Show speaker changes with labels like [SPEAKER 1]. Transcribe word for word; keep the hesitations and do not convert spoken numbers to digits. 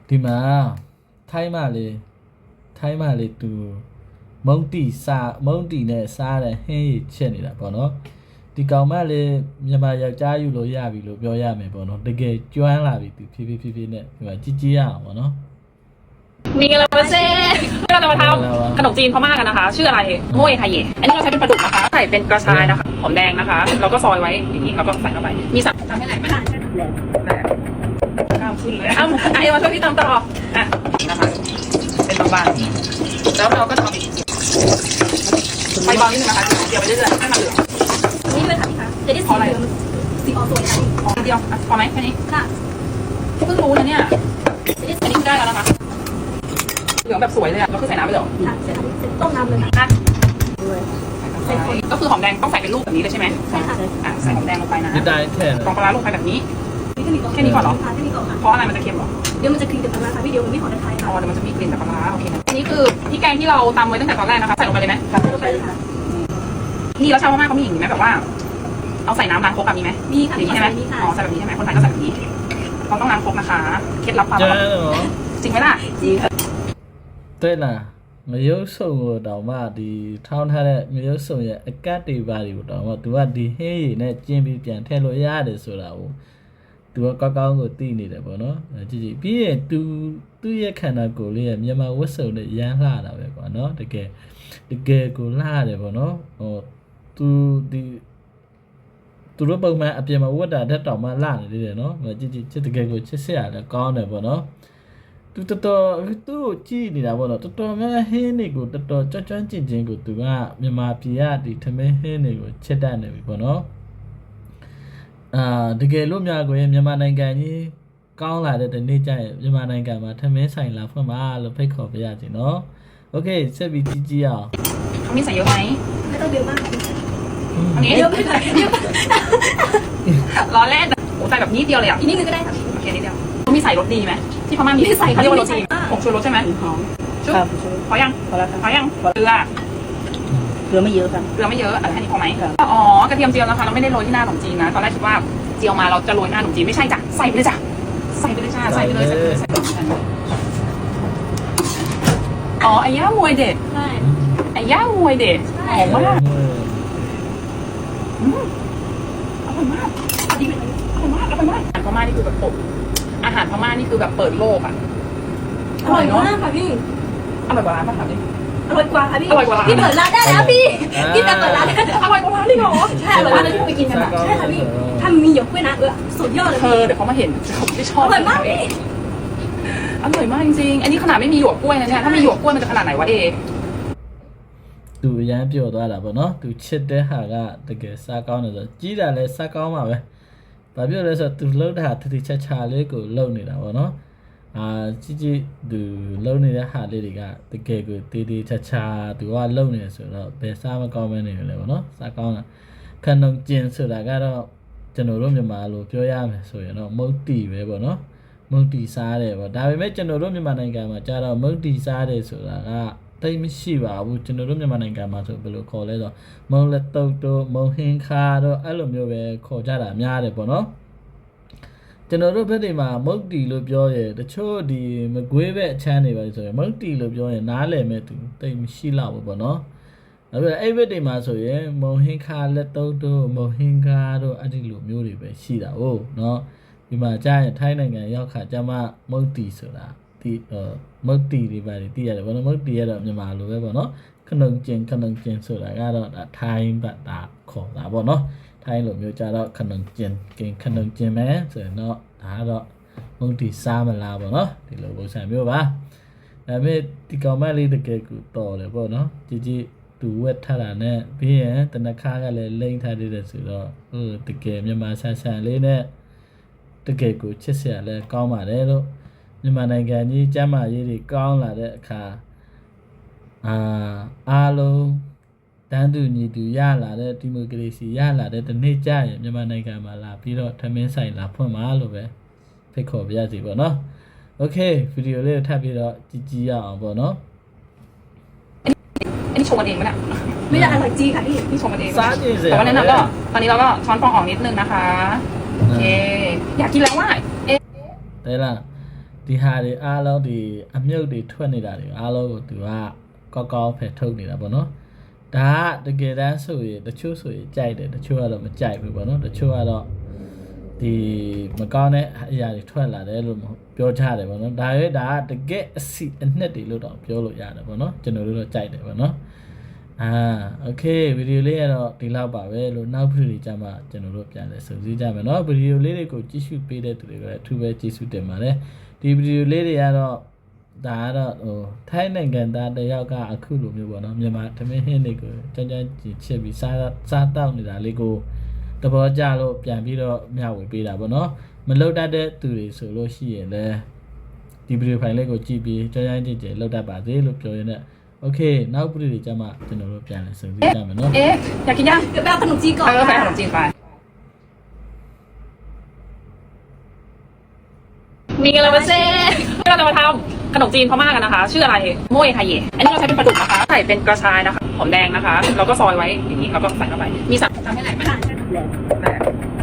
[SPEAKER 1] ဒီမှာထိုင်းမလေးထိုင်းမလေးသူမုံတီစားမုံတီနဲ့စားတဲ့ဟင်းရချက်နေတာပေါ့နော်ဒီကောင်မလေးမြန်မာယောက်ျားယူလို့ရပြီလို့ပြောရမယ်ပေါ့နော်တကယ်ကျွမ်းလာပြီသူဖြည်းဖြည်းဖြည်းဖြည်းနဲ့ဒီမှာကြည်ကြည်ရအောင်ပေါ့နော်
[SPEAKER 2] มีอะไรมาเซ่เราจะมาทำขนมจีนพม่ากันนะคะชื่ออะไรโม่ยไทยเย่อันนี้เราใช้เป็นปลาดุกนะคะใส่เป็นกระชายนะคะหอมแดงนะคะแล้วก็ซอยไว้อย่างนี้แล้วก็ใส่เข้าไปมีสับทำให้แหลกไหมแหลกข้ามขึ้นเลยอ้าวไอ้มาช่วยพี่ตำต่ออ่ะนี่นะคะเป็นบางๆแล้วเราก็จะเอาไปเบานิดนึงนะคะเดี๋ยวไปเรื่อยๆให้มันเหลือง
[SPEAKER 3] นี่เลยค่ะพี่คะจะได้สีเหลืองสีออกสวยค่ะ
[SPEAKER 2] เดียวพอไหมแค่นี้
[SPEAKER 3] ค่ะ
[SPEAKER 2] เพิ่งรู้นะเนี่ยอันนี้ได้แล้วนะคะเหลืองแบบสวยเลยอ่ะเราคือใส่น้ำไปเลย
[SPEAKER 3] ค่ะใส่น้ำต้มน้ำเลยค่ะ
[SPEAKER 2] ก็คือหอมแดงต้องใส่เป็นลูกแบบนี้เลยใช่ไหม
[SPEAKER 3] ใช่ค่ะ
[SPEAKER 2] อ่ะใส่หอมแดงลงไปนะ
[SPEAKER 1] จะได้แค่
[SPEAKER 2] กองปลาลงไปแบบนี้แค่นี้ก่อนเหรอ
[SPEAKER 3] แค่นี้ก่อนค่ะ
[SPEAKER 2] เพราะอะไรมันจะเค็มหรอ
[SPEAKER 3] เดี๋ยวมันจะกลิ่นจากปลาค่ะพี่เดี๋ยวมันไม่หอมไทยค่ะ
[SPEAKER 2] อ๋อเดี๋ยวมันจะมีกลิ่นจากปลาโอเคนะอันนี้คือพริกแกงที่เราตำไว้ตั้งแต่ตอนแรกนะคะใส่ลงไปเลยไหม
[SPEAKER 3] ใส่ลงไปเลยค่ะ
[SPEAKER 2] นี่แล้วชาวพม่าเขามีอย่างนี้ไหมแบบว่าเอาใส่น้ำล้างครกแบบนี้ไหม
[SPEAKER 3] มีค่ะ
[SPEAKER 2] อย่างนี้ใช่ไหมอ๋อใส่แบบนี้ใช่ไหมคนไทยก็ใส่แบบนี้เราต้องล้างครกนะคะเคล็ดลับความจริงไหมล่ะ
[SPEAKER 3] จริงค่ะ
[SPEAKER 1] 对啦မရုပ်စုံကိုတောင်မှဒီထောင်းထားတဲ့မရုပ်စုံရဲ့အကတ်တွေပါတွေကိုတောင်မှ तू ကဒီဟင်းရည်နဲ့ကျင်းပြီးပြန်ထည့်လို့ရတယ်ဆိုတာကို तू ကကောက်ကောင်းကိုသိနေတယ်ပေါ့နော်ကြည့်ကြည့်ပြီးရင် तू သူ့ရဲ့ခန္ဓာကိုယ်လေးရဲ့မြန်မာဝတ်စုံနဲ့ရမ်းလှတာပဲကွာနော်တကယ်တကယ်ကိုလှတယ်ပေါ့နော်ဟို तू ဒီသူတို့ပုံမှန်အပြင်မှာဝတ်တာတက်တောင်မှလှနေသေးတယ်နော်ကြည့်ကြည့်ချစ်တကယ်ကိုချစ်စရာလည်းကောင်းတယ်ပေါ့နော်သူတော်တော်သူ့ကိုကြည့်နေတာပေါ့နော်တော်တော်များဟင်းတွေကိုတော်တော်ကြွကြွကျင်ကျင်ကိုသူကမြန်မာပြည်ကဒီထမင်းဟင်းတွေကိုချစ်တတ်နေပြီပေါ့နော်အာတကယ်လို့များကိုမြန်မာနိုင်ငံကြီးကောင်းလာတဲ့ဒီနေ့ကျရင်မြန်မာနိုင်ငံမှာထမင်းဆိုင်လာဖွင့်ပါလို့ဖိတ်ခေါ်ပေးရစီနော်โอเคဆက်ပြီးကြည့်ကြည့်အောင်
[SPEAKER 2] เขามีใส่เยอะไหม
[SPEAKER 3] ไม่ต้องเยอะมากค่ะ
[SPEAKER 2] อันนี้
[SPEAKER 3] เยอะไปไหมเยอะ
[SPEAKER 2] ล้อเล่นโอ้ใส่แบบนี้เดียวเลยอ่ะ
[SPEAKER 3] อีกนิดนึงก็ได้ค่ะ
[SPEAKER 2] โอเคนิดเดียวเขามีใส่รสดีไหมที่พม่ามีใส่เขาเรียกว่ารสดีผงชูรสใช่ไหมหอมชุบพอยัง
[SPEAKER 4] พอแล้วค่ะ
[SPEAKER 2] พอยังเกลือ
[SPEAKER 4] เกลือไม่เยอะค่ะ
[SPEAKER 2] เกลือไม่เยอะอันนี้พอไหมอ๋อกระเทียมเจียวนะคะเราไม่ได้โรยที่หน้าขนมจีนนะตอนแรกคิดว่าเจียวมาเราจะโรยหน้าขนมจีนไม่ใช่จ้ะใส่ไปเลยจ้ะใส่ไปเลยจ้ะใส่ไปเลยใส่ไปเลยใส่ไปเลยอ๋อไอ้ย่ามวยเด็ด
[SPEAKER 3] ใช่
[SPEAKER 2] ไอ้ย่ามวยเด็ดหอมมากอร่อยมากดีไหมอร่อยมากอร่อยมากอาหารพม่านี่คือแบบปกอาหารพม่านี่คือแบบเปิดโลกอ่ะ
[SPEAKER 3] อร่อยมากค่ะพี่
[SPEAKER 2] อร่อยกว่าร้านป่ะถามดิ
[SPEAKER 3] อร่อยกว่าค่ะพี่
[SPEAKER 2] อร่อยกว่าร้าน
[SPEAKER 3] พี่เปิดร้านได้แล้วพี่พี่จะเปิดร้านได้
[SPEAKER 2] อร่อยกว่าร้านเลยเหรอ
[SPEAKER 3] ใช่อร่อยมากเลยที่ไปกินกันอ่ะใช่ค่ะพี่ถ้ามีหยกกล้วยนะเออสุดยอดเลย
[SPEAKER 2] เธอเดี๋ยวเขามาเห็นเขาไม่ชอบ
[SPEAKER 3] อร่อยมากพี่
[SPEAKER 2] อร่อยมากจริงๆอันนี้ขนาดไม่มีหยวกกล้วยนะเนี่ยถ้ามีหยวกกล้วยมันจะขนาดไหนวะเอ
[SPEAKER 1] သူရမ်းပြောသွားတာပေါ့နော်သူချစ်တဲ့ဟာကတကယ်စားကောင်းတယ်ဆိုကြီးတာလည်းစားကောင်းပါပဲဘာပြောလဲဆိုတော့သူလှုပ်တာတတိချာချာလေးကိုလှုပ်နေတာပေါ့နော်အာကြီးကြီးသူလှုပ်နေတဲ့ဟာလေးတွေကတကယ်ကိုတေးသေးချာချာသူကလှုပ်နေဆိုတော့ဘယ်စားမကောင်းမနေလဲပေါ့နော်စားကောင်းတာခဏုံကျင်ဆိုတာကတော့ကျွန်တော်တို့မြန်မာလိုပြောရမယ်ဆိုရင်တော့မုတ်တီပဲပေါ့နော်မုတ်တီစားတယ်ပေါ့ဒါပေမဲ့ကျွန်တော်တို့မြန်မာနိုင်ငံမှာကျတော့မုတ်တီစားတယ်ဆိုတာကတိတ်မရှိပါဘူးကျွန်တော်တို့မြန်မာနိုင်ငံမှာဆိုဘယ်လိုခေါ်လဲဆိုမုံလက်တုတ်တို့မုံဟင်းခါတို့အဲ့လိုမျိုးပဲခေါ်ကြတာများတယ်ပေါ့နော်ကျွန်တော်တို့ဘက်တွေမှာမုတ်တီလို့ပြောရတချို့ဒီမကွေးဘက်အချမ်းတွေပါဆိုရင်မုတ်တီလို့ပြောရင်နားလည်မဲ့သူတိတ်မရှိတော့ဘူးပေါ့နော်အဲ့ဒါအဲ့ဘက်တွေမှာဆိုရင်မုံဟင်းခါလက်တုတ်တို့မုံဟင်းခါတို့အဲ့ဒီလိုမျိုးတွေပဲရှိတာဟုတ်နော်ဒီမှာကြာရင်ထိုင်းနိုင်ငံရောက်ခါကျမှမုတ်တီဆိုတာဒီမုတ်တီတွေပါတည်ရတယ်ဘောနော်မုတ်တီရတော့မြန်မာလိုပဲပေါ့နော်ခဏုံကျင်ခဏုံကျင်ဆိုတာကတော့ဒါထိုင်းဘတ်တာခေါ်တာပေါ့နော်ထိုင်းလိုမျိုးကြတော့ခဏုံကျင်ကင်ခဏုံကျင်မယ်ဆိုရင်တော့ဒါကတော့မုတ်တီစားမလားပေါ့နော်ဒီလိုပုံစံမျိုးပါဒါပေမဲ့ဒီကောင်မလေးတကယ်ကိုတော်တယ်ပေါ့နော်ကြည်ကြည်သူဝက်ထားတာနဲ့ပြီးရင်တနခါကလည်းလိမ့်ထားသေးတယ်ဆိုတော့ဟိုတကယ်မြန်မာဆန်ဆန်လေးနဲ့တကယ်ကိုချစ်စရာလည်းကောင်းပါတယ်လို့မြန်မာနိုင်ငံကြီးကျမ်းမာရေးတွေကောင်းလာတဲ့အခါအာအားလုံးတန်းတူညီတူရလာတဲ့ဒီမိုကရေစီရလာတဲ့ဒီနေ့ကျရင်မြန်မာနိုင်ငံမှာလာပြီးတော့ထမင်းဆိုင်လာဖွင့်မှာလို့ပဲဖိတ်ခေါ်ပြရစီပေါ့နော်โอเคဗီဒီယိုလေးကိုထပ်ပြီးတော့ကြည့်ကြည့်ရအောင်ပေါ့နော်
[SPEAKER 2] อันนี้ชงกันเองไหมเนี่ย
[SPEAKER 3] ไม่ได้อร่อยจริงค่ะพี่
[SPEAKER 2] นี่ชงกันเองแต่ว่าแนะนำก็ตอนนี้เราก็ช้อนฟองออกนิดนึงนะคะโอเคอยากกินแล้วว่าเอ๊ะ
[SPEAKER 1] ได้ละဒီဟာတွေအားလုံးဒီအမြုပ်တွေထွက်နေတာတွေအားလုံးကိုသူကကောက်ကောက်ဖယ်ထုတ်နေတာပေါ့နော်ဒါကတကယ်တမ်းဆိုရင်တချို့ဆိုရင်ကြိုက်တယ်တချို့ကတော့မကြိုက်ဘူးပေါ့နော်တချို့ကတော့ဒီမကောင်းတဲ့အရာတွေထွက်လာတယ်လို့ပြောကြတယ်ပေါ့နော်ဒါရွေးဒါကတကယ်အစီအနှစ်တွေလို့တော့ပြောလို့ရတယ်ပေါ့နော်ကျွန်တော်တို့တော့ကြိုက်တယ်ပေါ့နော်အာโอเคဗီဒီယိုလေးကတော့ဒီလောက်ပါပဲလို့နောက်ဗီဒီယိုလေးကြမှာကျွန်တော်တို့ပြန်လဲစုစည်းကြမယ်เนาะဗီဒီယိုလေးတွေကိုကြည့်ရှုပေးတဲ့သူတွေကလည်းအထူးပဲကြည့်ရှုတင်ပါတယ်ဒီဗီဒီယိုလေးတွေကတော့ဒါကတော့ဟိုထိုင်းနိုင်ငံသားတယောက်ကအခုလိုမျိုးပေါ့เนาะမြန်မာသမင်းဟင်းတွေကိုကြမ်းကြမ်းကြည့်ချစ်ပြီးစားစားတောက်နေတာလေးကိုသဘောကျလို့ပြန်ပြီးတော့မျှဝေပေးတာပေါ့เนาะမလောက်တတ်တဲ့သူတွေဆိုလို့ရှိရင်လည်းဒီဗီဒီယိုဖိုင်လေးကိုကြည့်ပြီးကြမ်းကြမ်းကြည့်ကြလောက်တတ်ပါသေးလို့ပြောရင်းโอเคနောက်ပြည်တွေကျမှကျွန်တော်တို့ပြန်လဲစုံစည်းကြမယ်နော်
[SPEAKER 2] เอ๊ะอยากกินยัง
[SPEAKER 3] เดี๋ยวไปเอาขนมจีนก่อน
[SPEAKER 2] เออไปขนมจีนไปมีกันแล้วมาเซ่เราจะมาทำขนมจีนพม่ากันนะคะ ชื่ออะไรโมเอไทเยะอันนี้เราใช้เป็นปลาดุกนะคะใส่เป็นกระชายนะคะหอมแดงนะคะแล้วก็ซอยไว้อย่างนี้แล้วก็ใส่เข้าไปมีสับทำให้ไหนไหม
[SPEAKER 3] ค่ะ
[SPEAKER 2] ได้